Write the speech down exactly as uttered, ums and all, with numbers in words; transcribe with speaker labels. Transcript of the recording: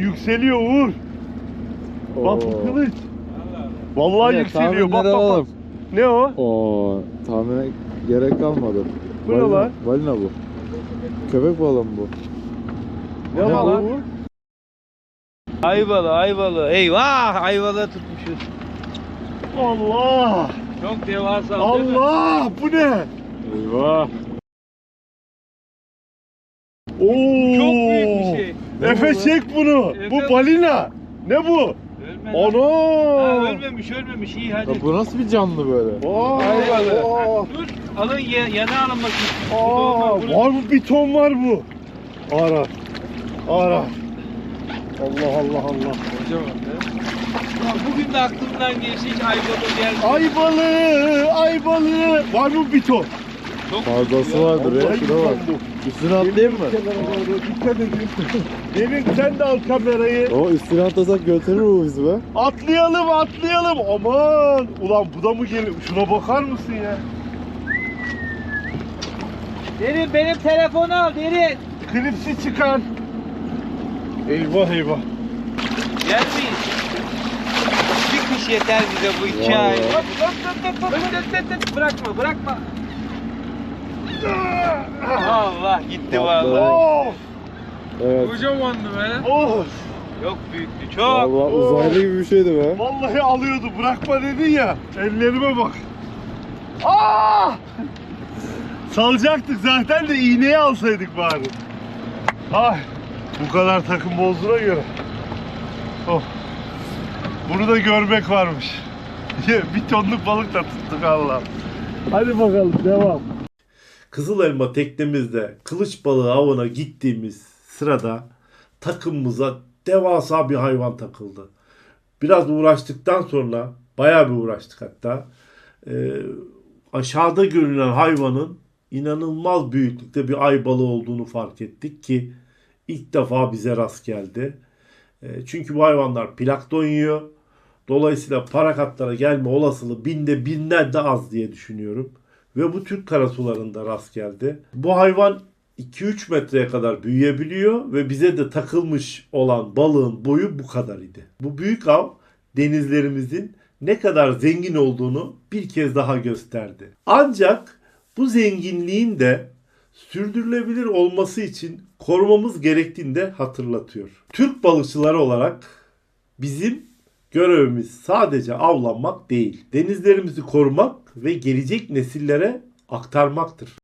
Speaker 1: yükseliyor Uğur. Bak bu
Speaker 2: Oo.
Speaker 1: kılıç. Vallahi
Speaker 2: Evet,
Speaker 1: yükseliyor. Bak
Speaker 2: tahminleri
Speaker 1: bak bak.
Speaker 2: alalım.
Speaker 1: Ne o?
Speaker 2: Oo, tahmine gerek kalmadı.
Speaker 1: Bu ne
Speaker 2: Balina,
Speaker 1: lan?
Speaker 2: balina bu. Köpek balığı mı bu?
Speaker 1: Ne
Speaker 3: Ne
Speaker 1: var
Speaker 3: lan?
Speaker 1: Uğur?
Speaker 3: Ayvalı, ayvalı. Eyvah, ayvalı tutmuşuz.
Speaker 1: Allah!
Speaker 3: Çok devasa.
Speaker 1: Allah! Bu ne?
Speaker 2: Eyvah.
Speaker 1: Oo!
Speaker 3: Çok büyük bir şey.
Speaker 1: Efe çek bunu.
Speaker 3: Efe-
Speaker 1: Bu balina. Ne bu?
Speaker 3: Ölmedi. Ha,
Speaker 1: Ana!
Speaker 3: ölmemiş, ölmemiş. İyi hadi.
Speaker 2: Ya bu nasıl bir canlı böyle?
Speaker 1: Aa!
Speaker 3: Ayvalı.
Speaker 1: Aa!
Speaker 3: Dur, alın ya, yana alın bakayım.
Speaker 1: Aa!
Speaker 3: Bunu-
Speaker 1: Var mı bir ton var bu? Ara. Ara. Allah Allah Allah.
Speaker 3: Kocaman be. Ya bugün de aklımdan geçti hiç ayvalı geldi.
Speaker 1: Ay balığı, ay balığı. Var mı bir ton?
Speaker 3: Çok
Speaker 2: Fazlası
Speaker 3: ya.
Speaker 2: vardır ya.
Speaker 1: Vallahi
Speaker 2: Şuna bak.
Speaker 1: bir ton bu.
Speaker 2: Üstüne atlayayım mı?
Speaker 1: Kenara doğru dikkat edin. Demin sen de al kamerayı.
Speaker 2: O üstüne atlasak götürür mü bizi be?
Speaker 1: Atlayalım atlayalım. Aman. Ulan bu da mı geliyor? Şuna bakar mısın ya?
Speaker 3: Derin benim telefonu al Derin.
Speaker 1: Klipsi çıkar. Eyvah eyvah.
Speaker 3: Gelmeyin. Bir kuş yeter bize bu iki
Speaker 2: Vallahi.
Speaker 3: ay. Hop, hop, hop, hop, hop, hop, hop, hop. Bırakma bırakma. Allah gitti vallahi.
Speaker 1: Of.
Speaker 2: Evet.
Speaker 3: Kocamandı be.
Speaker 1: Of.
Speaker 3: Çok büyüktü çok.
Speaker 2: Vallahi uzaylı gibi bir şeydi be.
Speaker 1: Vallahi alıyordu. Bırakma dedin ya. Ellerime bak. Aa! Salacaktık zaten de iğneyi alsaydık bari. Ay. Bu kadar takım bozduğuna göre. Oh. Bunu da görmek varmış. Bir tonluk balık da tuttuk Allah. Hadi bakalım devam. Kızıl Elma teknemizde kılıç balığı avına gittiğimiz sırada takımımıza devasa bir hayvan takıldı. Biraz uğraştıktan sonra, bayağı bir uğraştık hatta. Ee, aşağıda görünen hayvanın inanılmaz büyüklükte bir ay balığı olduğunu fark ettik ki ilk defa bize rast geldi. Ee, çünkü bu hayvanlar plankton yiyor. Dolayısıyla parakatlara gelme olasılığı binde binler de az diye düşünüyorum. Ve bu Türk karasularında rast geldi. Bu hayvan iki üç metreye kadar büyüyebiliyor ve bize de takılmış olan balığın boyu bu kadar idi. Bu büyük av denizlerimizin ne kadar zengin olduğunu bir kez daha gösterdi. Ancak bu zenginliğin de sürdürülebilir olması için korumamız gerektiğini de hatırlatıyor. Türk balıkçıları olarak bizim görevimiz sadece avlanmak değil, denizlerimizi korumak ve gelecek nesillere aktarmaktır.